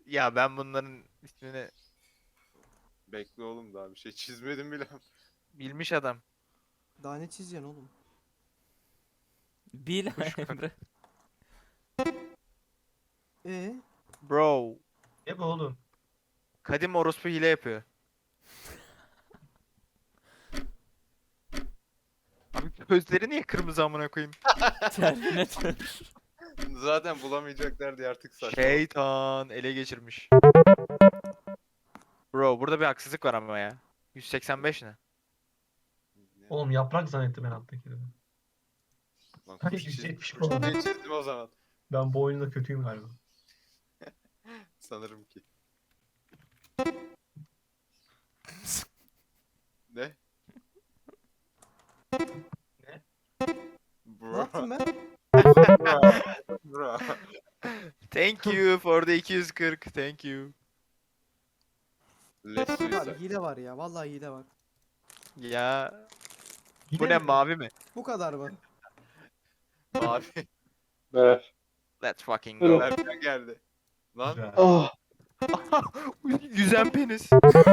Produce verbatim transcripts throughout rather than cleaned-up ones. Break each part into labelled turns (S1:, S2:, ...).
S1: Ya ben bunların ismini
S2: Bekle oğlum, daha bir şey çizmedim bile.
S1: bilmiş adam.
S3: Daha ne çizeceksin oğlum?
S4: Bil
S1: Kuş kak-
S4: Emre.
S3: Ee,
S1: Bro.
S5: Ne bu oğlum?
S1: Kadim orospu hile yapıyor. Abi gözleri niye kırmızı amına koyayım?
S4: Terminator.
S2: Zaten bulamayacaklar diye artık saçma.
S1: Şeytan ele geçirmiş. Bro burada bir haksızlık var ama ya. yüz seksen beş ne?
S2: Ne?
S5: Oğlum yaprak zannettim ben alttakini.
S2: Lan
S5: Hani
S2: kuş
S5: yüz
S2: çizdim.
S5: yetmiş
S2: Kuş
S5: falan.
S2: diye çizdim o zaman.
S5: Ben bu oyunda kötüyüm galiba.
S2: Sanırım ki. Ne?
S5: Ne?
S3: ne
S2: Bro.
S3: yaptım ben?
S2: Bro. Bro.
S1: Thank you for the iki yüz kırk. Thank you.
S2: Let's
S3: Abi
S2: suicide.
S3: hile var ya. Vallahi hile var.
S1: Ya bu
S5: Yine
S1: ne
S5: mi?
S1: mavi mi?
S3: Bu kadar mı?
S2: Mavi.
S6: Ver.
S1: Let's fucking
S6: Ver
S1: go.
S6: o-
S2: Berkan geldi. Lan.
S5: Güzel.
S6: Ah.
S1: Yüzen penis.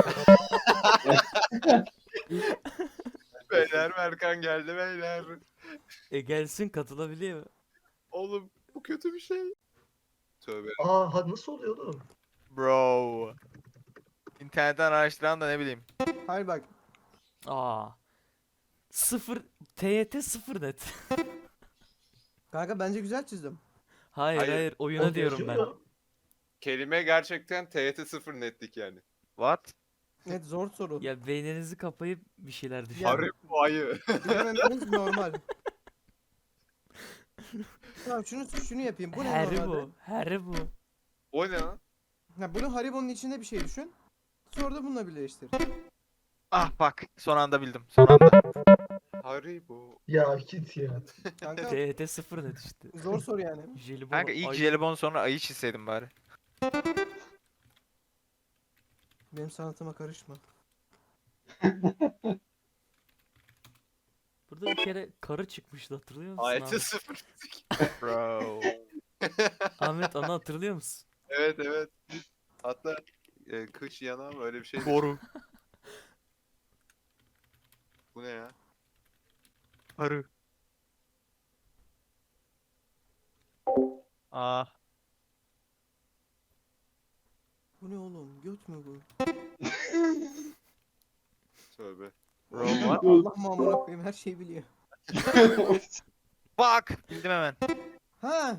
S2: Beyler Berkan geldi beyler.
S4: E gelsin katılabiliyor.
S2: Oğlum bu kötü bir şey. Tövbe.
S5: Aa ha, nasıl oluyor oğlum?
S1: Bro. İnternetten araştıran da ne bileyim.
S3: Hayır bak.
S4: Aa. Sıfır. T Y T sıfır net.
S3: Kanka bence güzel çizdim.
S4: Hayır
S2: Hayır.
S4: hayır oyuna
S5: Oğlum
S4: diyorum ben.
S5: yazıyor.
S2: Kelime gerçekten T Y T sıfır netlik yani.
S1: What?
S3: Evet zor soru.
S4: Ya beyninizi kapayıp bir şeyler düşünün.
S3: Ya-
S2: Arı bu ayı.
S3: Bilememeniz normal. Tamam şunu şunu yapayım. Bu ne normalde?
S4: Haribo. Haribo.
S2: O ne lan?
S3: Ha, bunu Haribo'nun içinde bir şey düşün. Sonra da bununla birleştir.
S1: Ah bak son anda bildim. Son anda.
S2: Haribo.
S5: Ya git ya.
S3: Kanka
S4: T Y T sıfır net işte.
S3: zor soru yani.
S4: Jelibon.
S1: Kanka ilk
S4: ay-
S1: jelibon sonra ayı çizseydim bari.
S3: Benim sanatıma karışma.
S4: Burada bir kere karı çıkmıştı hatırlıyor musun
S2: Ayeti
S4: Ahmet?
S2: sıfır.
S1: Bro.
S4: Ahmet onu hatırlıyor musun?
S2: Evet evet. Hatta e, kış yanağım öyle bir şey.
S1: Boru.
S2: Bu ne ya?
S1: Arı. Ah.
S3: Bu ne oğlum? Göt mü bu?
S2: Tövbe.
S1: Bro what?
S3: Allah mamura koyayım her şeyi biliyor.
S1: Bak. Bildim hemen.
S3: Ha,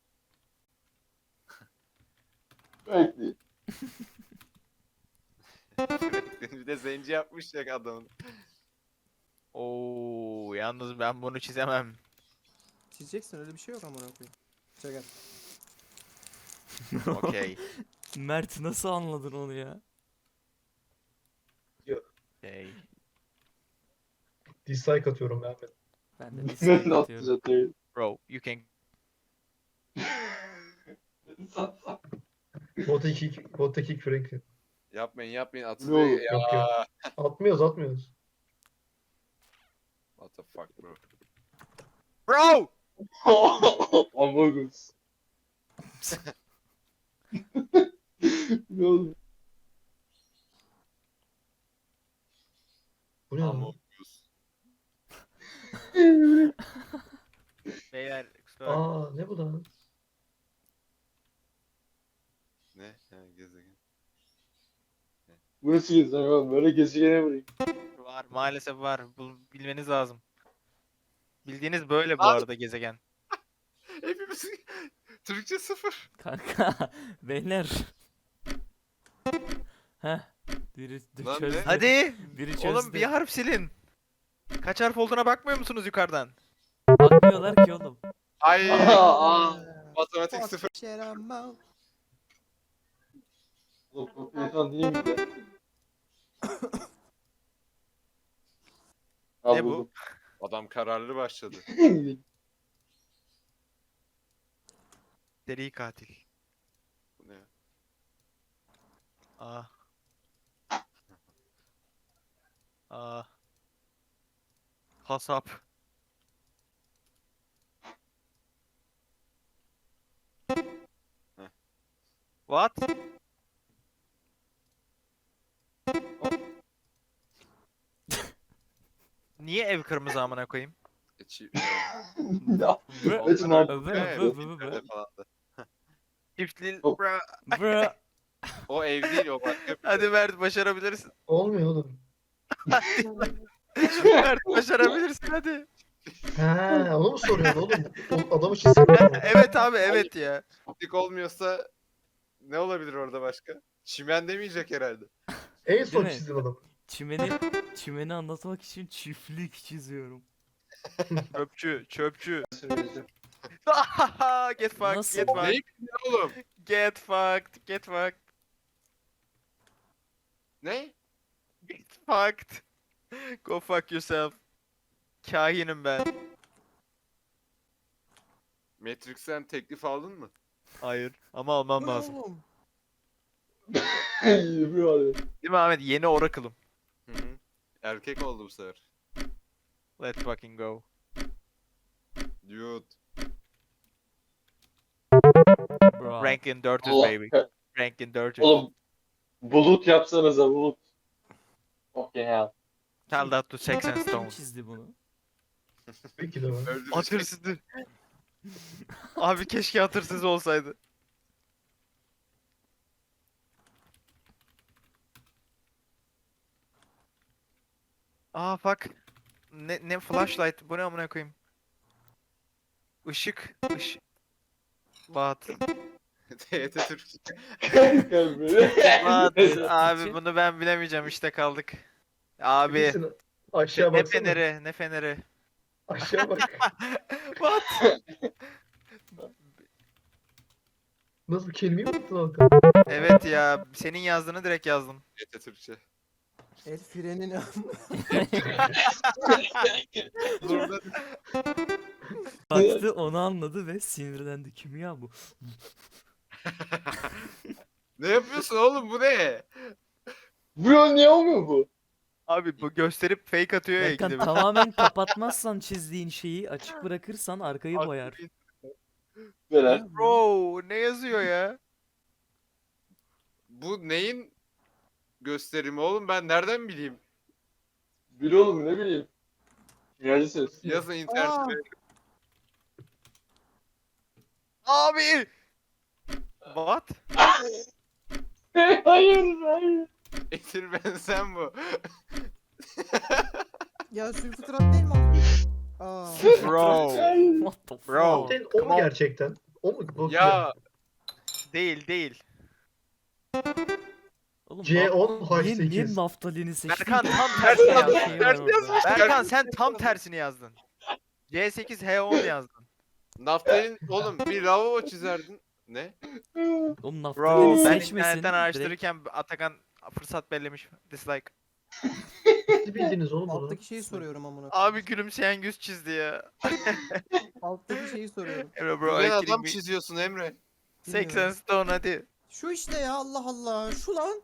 S6: Bekle.
S2: Bir de zenci yapmış ya adamın.
S1: Oo, yalnız ben bunu çizemem.
S3: çizeceksin öyle bir şey yok amına koyayım. Çakal.
S1: Okey.
S4: Mert nasıl anladın onu ya?
S1: Okay.
S5: Dislike atıyorum ben.
S4: Ben de
S6: Ben
S4: dislike
S6: de
S4: atıyorum.
S6: atacağım.
S1: Bro, you can.
S5: Bota kick, bota kick Franklin.
S2: Yapmayın yapmayın
S6: Ne
S2: atılıyor
S6: olur,
S2: ya.
S5: yok, yok. Atmıyoruz atmıyoruz.
S2: What the fuck bro.
S1: Bro!
S6: Among Us. Ne oldu?
S5: Bu ne
S2: Among
S5: lan?
S2: Us.
S1: Beyler, kusura bakmayın.
S5: Aa ne bu lan?
S2: Ne? Ha, gezegen.
S6: Bu nasıl gezegen oğlum? Böyle gezegene vurayım.
S1: Var, maalesef var. Bu bilmeniz lazım. Bildiğiniz böyle bu
S2: Abi-
S1: arada gezegen.
S2: Hepimiz Türkçe sıfır.
S4: Kanka beyler. Heh. Biri d-
S2: Lan ne?
S4: çözdü.
S1: Hadi!
S4: Biri çözdü.
S1: Oğlum bir harf silin. Kaç harf olduğuna bakmıyor musunuz yukarıdan?
S4: Bakmıyorlar ki oğlum.
S2: Ay
S6: Aa,
S2: matematik
S3: Fuck
S2: sıfır.
S3: shit, I'm out.
S6: Oğlum kopyadan değil mi de? Ha,
S1: Ne bu?
S6: buldum.
S2: Adam kararlı başladı.
S1: Seri katil.
S2: Bu ne ya?
S1: Ah. Ah. Hasap.
S2: Heh.
S1: What? Niye ev kırmızı amına koyayım?
S2: E, çi-
S6: Ya.
S4: Bro,
S6: It's not.
S4: bro,
S2: Evet,
S4: bro,
S2: bu
S4: bro, bro.
S2: filmlerde falan da.
S1: Çiftli...
S6: Oh.
S1: Bra.
S4: Bro.
S2: O ev değil o başka bir
S1: Hadi Mert başarabilirsin.
S5: Olmuyor oğlum.
S1: Mert başarabilirsin hadi.
S5: Ha, onu mu soruyorsun oğlum? O adamı çizsin mi?
S1: Evet abi evet ya.
S2: çiftlik olmuyorsa ne olabilir orada başka? Çimen demeyecek herhalde.
S5: En son
S4: Değil mi?
S5: çizdiğin adam.
S4: Çimeni, çimeni anlatmak için çiftlik çiziyorum.
S1: Çöpçü, çöpçü.
S6: Söyleyeceğim.
S1: Get fucked,
S4: Nasıl?
S1: get fucked,
S2: Neyi biliyor oğlum?
S1: get fucked, get fucked,
S2: Ne?
S1: get fucked. Go fuck yourself. Kahinim ben.
S2: Matrix'ten teklif aldın mı?
S1: Hayır ama almam
S3: Bu ne
S1: lazım.
S3: oğlum?
S6: Bro.
S1: Değil mi Ahmet? Yeni Oracle'ım.
S2: Hı hı. Erkek oldu bu sefer.
S1: Let's fucking go.
S2: Dude.
S4: Bro.
S1: Rankin Dirters
S6: Allah
S1: baby.
S6: kah-
S1: Rankin Dirters.
S6: Oğlum bulut yapsanıza bulut. Okay hell.
S1: Tell that to Sex and
S4: Kim
S1: Stones.
S4: çizdi bunu?
S5: Peki de ben.
S2: Öldürecek.
S1: Hatırsızdı. Abi keşke hatırsız olsaydı. Aa fuck. Ne ne flashlight bu ne amına koyayım? Işık, ışık. What?
S2: T Y T Türkçe.
S1: What?
S4: için-
S1: Abi bunu ben bilemeyeceğim işte kaldık. Abi
S5: Bilirsin, aşağı
S1: ne
S5: baksana.
S1: feneri, ne feneri.
S5: Aşağı bak.
S1: What?
S5: Nasıl bir kelimeyi mi unuttun Hakan?
S1: Evet ya, senin yazdığını direkt yazdım.
S2: T Y T Türkçe.
S3: El frenini
S2: Burada
S4: Baktı onu anladı ve sinirlendi. Kim ya bu?
S2: ne yapıyorsun oğlum bu ne?
S6: Bro niye olmuyor bu?
S1: Abi bu gösterip fake atıyor ya
S4: Erkan
S1: ikide bir.
S4: tamamen kapatmazsan çizdiğin şeyi açık bırakırsan arkayı boyar.
S6: Beren.
S1: Bro ne yazıyor ya?
S2: Bu neyin gösterimi oğlum ben nereden bileyim?
S6: Bil oğlum ne bileyim. Kimyacı ses.
S2: Yazın
S3: Aa.
S2: internette.
S1: Abi! What?
S6: hayır hayır.
S2: Etir benzen bu.
S3: Ya sülfütrat değil mi o? Aa.
S1: Bro.
S4: What the fuck?
S1: Bro.
S5: Senin o mu gerçekten? O mu? Bu-
S2: Ya
S1: Değil değil.
S4: Oğlum,
S5: C on H
S4: niye, niye
S5: sekiz.
S4: naftalini seçtin?
S1: Berkan tam tersini
S2: Berkan,
S1: yazdın.
S4: Şey var
S2: ters
S4: orada.
S2: yazmış.
S1: Berkan sen tam tersini yazdın. C sekiz H on yazdın.
S2: naftalin oğlum bir lavabo çizerdin. Ne?
S4: Oğlum
S1: Bro
S4: naftalini
S1: ben
S4: seçmesin.
S1: internetten
S4: direkt-
S1: araştırırken Atakan fırsat bellemiş. Dislike.
S5: Siz bildiniz oğlum bunu.
S3: Alttaki şeyi soruyorum amına.
S1: Abi gülümseyen yüz çizdi ya.
S3: Alttaki şeyi soruyorum.
S1: Emre bro,
S2: Güzel
S1: I
S2: adam
S1: kidding me.
S2: çiziyorsun Emre.
S1: Sex and Stone hadi.
S3: Şu işte ya Allah Allah. Şu lan.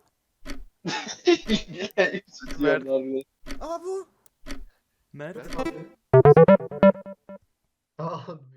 S6: Mert.
S3: Aa bu.
S4: Mert
S5: Aa,